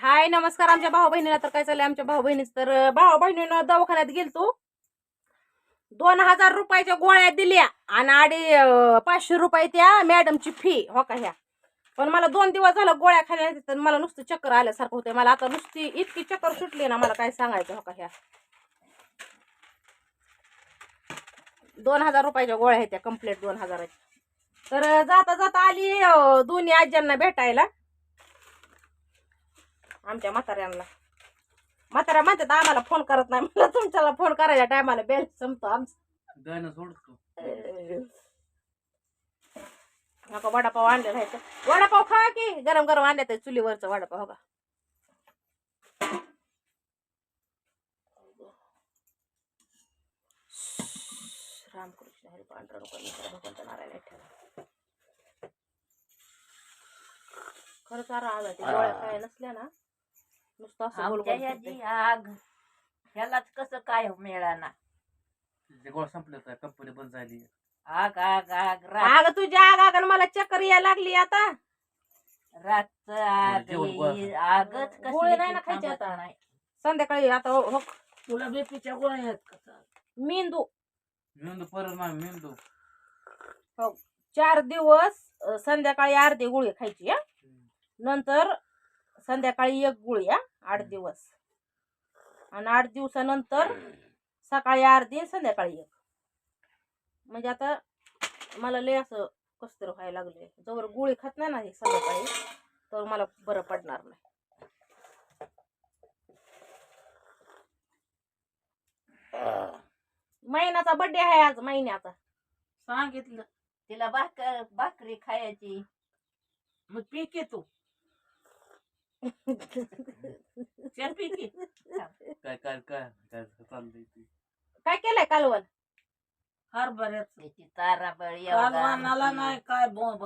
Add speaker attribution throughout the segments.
Speaker 1: हाय नमस्कार. आमच्या भाऊ बहिणीला तर काय चाललंय, आमच्या भाऊ बहिणीच तर भाऊ बहिणीनं दवाखान्यात गेलतो. 2000 रुपयाच्या गोळ्या दिल्या आणि 500 रुपये त्या मॅडमची फी हो का ह्या. पण मला 2 दिवस झालं गोळ्या खाल्ल्या तर मला नुसतं चक्कर आल्यासारखं होतंय. मला आता नुसती इतकी चक्कर सुटली ना, मला काय सांगायचं हो का ह्या. 2000 रुपयाच्या गोळ्या आहेत त्या, कंप्लीट 2000. तर जाता जाता आली दोन्ही आज्यांना भेटायला, आमच्या म्हाताऱ्यांना. म्हाताऱ्या म्हणतात आम्हाला फोन करत नाही. मला तुमच्याला फोन करायच्या टायमाला बेल संपतो आमचं. नका वडापाव आणले राहायचं. वडापाव खा की गरम गरम आणले तर चुलीवरचं वडापाव. का रामकृष्ण हरी पांढरा भगवंत नारायण ठेवा. खरंच आला ते गोळ्या काय नसल्या ना, नुसतं असं गोल गोल फिरतंय.
Speaker 2: आग ह्यालाच कसं काय मिळाना.
Speaker 3: गोळ संपलं तर कंपनी बंद झाली.
Speaker 2: आग आग आग
Speaker 1: अगं तुझ्या आग मला चक्कर यायला लागली आता.
Speaker 2: रात आग आगच
Speaker 1: गोळी नाही ना खायची आता. संध्याकाळी आता हो.
Speaker 2: तुला बीपीच्या गोळ्या आहेत का?
Speaker 1: मेंदू
Speaker 3: मेंदू परत नाही मेंदू.
Speaker 1: हो 4 दिवस संध्याकाळी अर्धी गोळी खायची. नंतर संध्याकाळी 1 गोळी 8 दिवस, आणि 8 दिवसानंतर सकाळी अर्धी संध्याकाळी 1. म्हणजे आता मला लय असं कसं तरी व्हायला लागले. जवळ गोळी खात नाही ना संध्याकाळी तर मला बरं पडणार नाही. महिन्याचा बर्थडे आहे आज, महिन्याचा.
Speaker 2: सांगितलं तिला भाकरी खायची. मग पीके तू पीके
Speaker 3: काय काय काय काय चाललंय ते.
Speaker 1: काय केलंय कालवण?
Speaker 2: हरभऱ्याची ताराबळी नाही काय बोंब.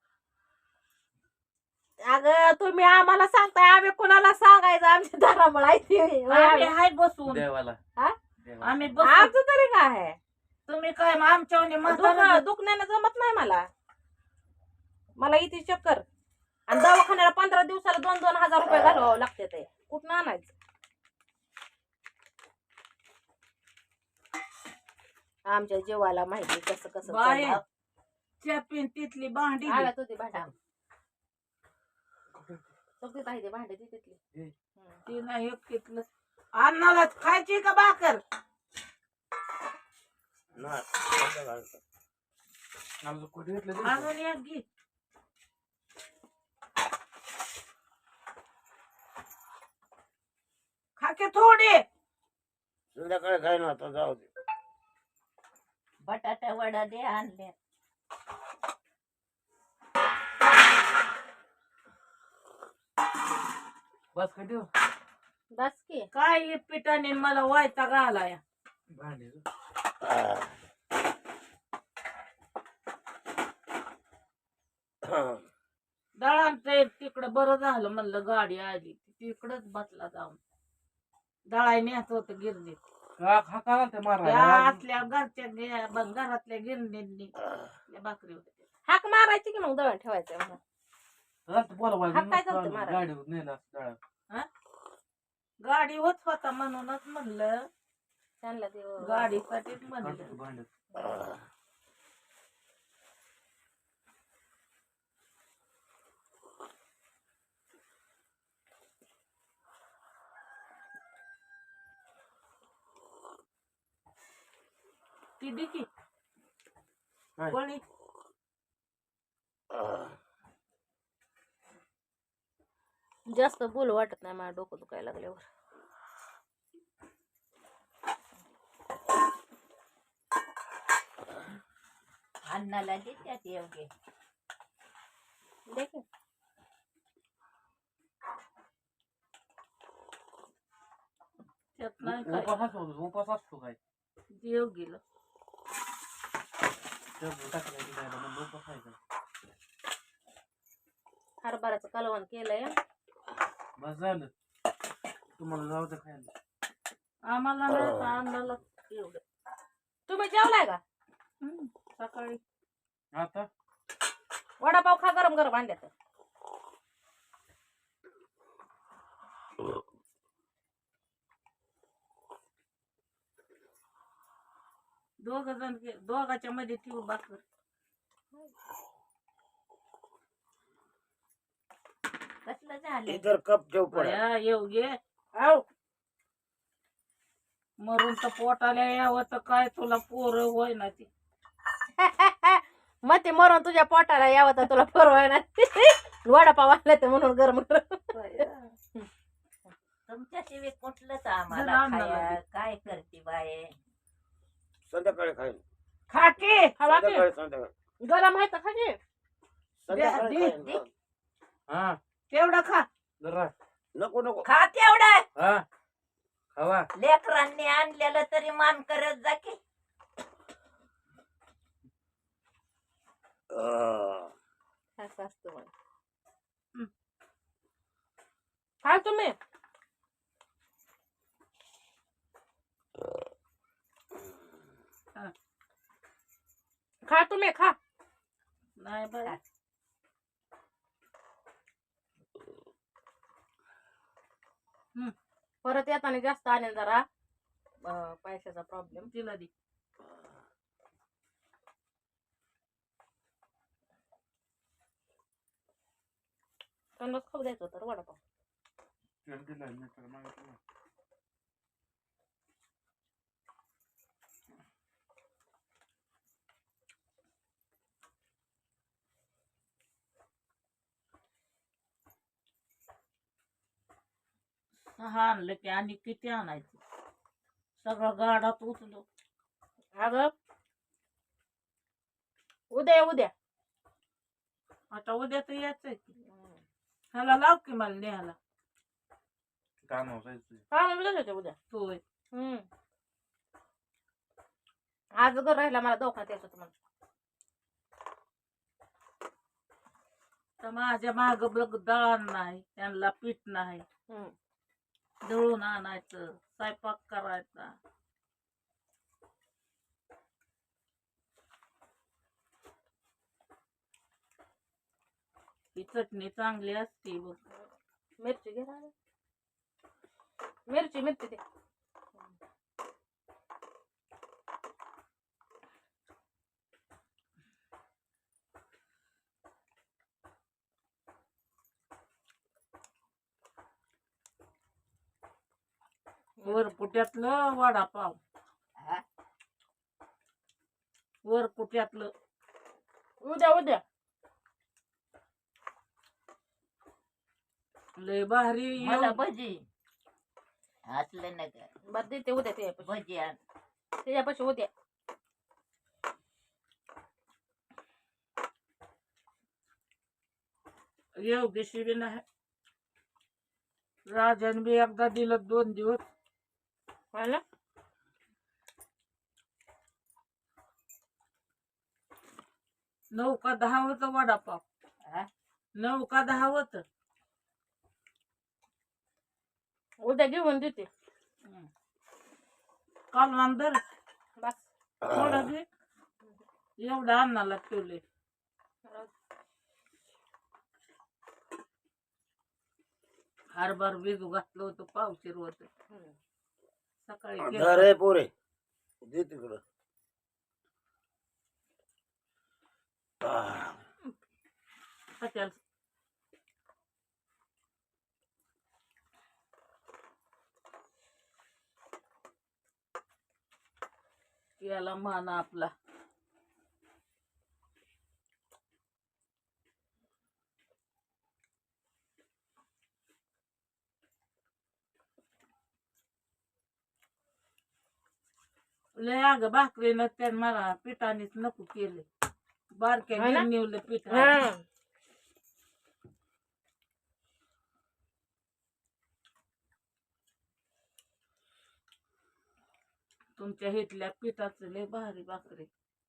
Speaker 1: अगं तुम्ही आम्हाला सांगताय, आम्ही कुणाला सांगायचं? आमच्या दारामुळे
Speaker 2: हाय बसून
Speaker 3: देवाला
Speaker 2: आम्ही
Speaker 1: आमचं तरी काय आहे.
Speaker 2: तुम्ही काय आमच्या
Speaker 1: दुखण्यानं जमत नाही मला इथे चक्कर. आणि दवाखान्याला 15 दिवसाला 2-2 हजार रुपये घालवावं लागते. ते कुठं आणायचं? आमच्या जीवाला माहिती कसं कसं
Speaker 2: तिथली भांडी
Speaker 1: तुझी भांडी सगळी पाहिजे भांडी तिथली.
Speaker 2: ती नाही घेतलं. अन्नाला खायची का भाकर? अजून एक घे. खाके थोडे
Speaker 4: संध्याकाळी काय ना आता जाऊ दे.
Speaker 2: बटाटा वडा दे आणले.
Speaker 3: बस काय देऊ
Speaker 1: बस की.
Speaker 2: काय पिठाने मला वायता घालाय.
Speaker 3: भांडे
Speaker 2: दळांचं तिकडं बरं झालं म्हणलं, गाडी आली तिकडच बसला जाऊन. दळाय नेत होत गिरणीत. आतल्या घरच्या घरातल्या गिरणींनी भाकरी होते.
Speaker 1: हाक मारायची की मग दळण ठेवायचं म्हणून.
Speaker 2: गाडी होत होता म्हणूनच म्हणलं,
Speaker 1: त्यांना
Speaker 2: गाडीसाठीच म्हणलं. ती दिकी कोणी
Speaker 1: जास्त बोल वाटत नाही, मला डोकं दुखायला लागल्यावर.
Speaker 2: अन्नाला देत्यात एवढे
Speaker 1: देख
Speaker 2: त्यात नाही काय.
Speaker 3: उपास असतो काय
Speaker 2: देव गेलं.
Speaker 1: हरभऱ्याचं कालवण केलंय.
Speaker 3: बस झालं तुम्हाला जाऊ दे खायला.
Speaker 2: आम्हाला अन्नाला एवढं.
Speaker 1: तुम्ही जेवलाय का
Speaker 2: सकाळी?
Speaker 3: आता
Speaker 1: वडापाव खा गरम गरम आणल्या तर.
Speaker 2: दोघाच्या मध्ये ठेवू भाकर.
Speaker 5: कसलं झालं
Speaker 4: इतर कप ठेव पडा
Speaker 2: बया, येऊ घे.
Speaker 1: आव
Speaker 2: मरून तर पोटाला यावं तर काय तुला पोरं होय ना ती.
Speaker 1: मग ते मरून तुझ्या पोटाला यावं तर तुला परवाय ना वडापाव आणला ते म्हणून गरम गरम.
Speaker 5: तुमच्याशिवाय कुठलंच
Speaker 2: जरा
Speaker 5: आम्हाला
Speaker 2: आणलं
Speaker 5: खाया
Speaker 2: लागेल.
Speaker 5: काय करते बाये
Speaker 4: संध्याकाळी खाईन
Speaker 1: खा की हवा की
Speaker 4: संध्याकाळी
Speaker 1: गरम आहे तर खा की.
Speaker 4: संध्याकाळी
Speaker 2: दे.
Speaker 4: खाईन.
Speaker 3: हा
Speaker 2: तेवढं खा.
Speaker 3: जरा
Speaker 4: नको नको
Speaker 5: खा तेवढं
Speaker 3: हा खावा.
Speaker 5: लेकरांनी आणलेलं तरी मान करत जा की
Speaker 1: असं असतं मग. खा तुम्ही. खा तुम्ही खा.
Speaker 2: नाही बाय.
Speaker 1: परत येताना जास्त आणेल जरा पैशाचा प्रॉब्लेम.
Speaker 2: तिला दे.
Speaker 1: त्यांनाच खाऊ द्यायचं होतं रे वडापाव.
Speaker 3: तेल दिलंय मी तर मागितलं.
Speaker 2: सहा आणलं की आणि किती आणायचं. सगळं गाडात उचलो.
Speaker 1: अगं उद्या उद्या.
Speaker 2: आता उद्या तर यायचंय की. ह्याला लाव की मला न्यायला.
Speaker 3: काम असायचं.
Speaker 1: हा म्हणलं होते उद्या.
Speaker 2: होय.
Speaker 1: आज घर राहिला मला दवाखान्यात यायचं होतं मला.
Speaker 2: तर माझ्या माग बघ दळण नाही, त्यांना पीठ नाही. दळून आणायचं, स्वयंपाक करायचा. ही चटणी चांगली असते बघ.
Speaker 1: मिरची घे राहिली. मिरची मिरची दे.
Speaker 2: वरपुट्यातलं वडापाव.
Speaker 5: हा?
Speaker 2: वरपुट्यातलं.
Speaker 1: उद्या उद्या.
Speaker 2: लय भारी.
Speaker 5: मला भजी असलं नका
Speaker 1: बरं देते उद्या त्याच्यापाशी.
Speaker 5: भजी आण
Speaker 1: त्याच्यापाशी उद्या.
Speaker 2: योगेशी बी नाही. राजाने बी एकदा दिलं 2 दिवस.
Speaker 1: मला
Speaker 2: 9 का 10 होत वडापाव.
Speaker 5: हा?
Speaker 2: 9 का 10 होत.
Speaker 1: उद्या घेऊन देते.
Speaker 2: काल नंतर
Speaker 1: बस.
Speaker 2: थोडं घे. एवढं अन्नाला ठेवले. हरभर भिजू घातलं होतं पावशीर होत. सकाळी केलं.
Speaker 4: धर आहे पोरे दे तिकडं
Speaker 2: हॉटेल. याला मान आपला. लय अगं भाकरीनं त्यान मला पिठानेच नको केले. बारक्या
Speaker 1: है ना?
Speaker 2: गिरणीवलं पीठ.
Speaker 1: हा.
Speaker 2: तुमच्या हितल्या पिठाचं लय भारी भाकरी.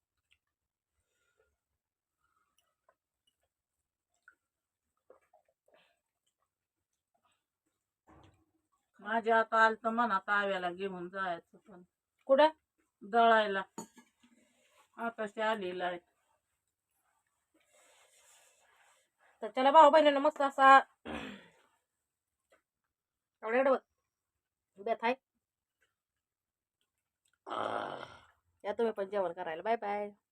Speaker 2: माझ्या आता आलं तर मनात आव्याला घेऊन जायचं पण
Speaker 1: कुठं
Speaker 2: दळायला. आताशी आलेला आहे.
Speaker 1: तर त्याला भाऊ बहिणीनं मस्त असा एवढं बेत आहे.
Speaker 4: आ.
Speaker 1: या तुम्ही पण जेवण करायला. Bye bye.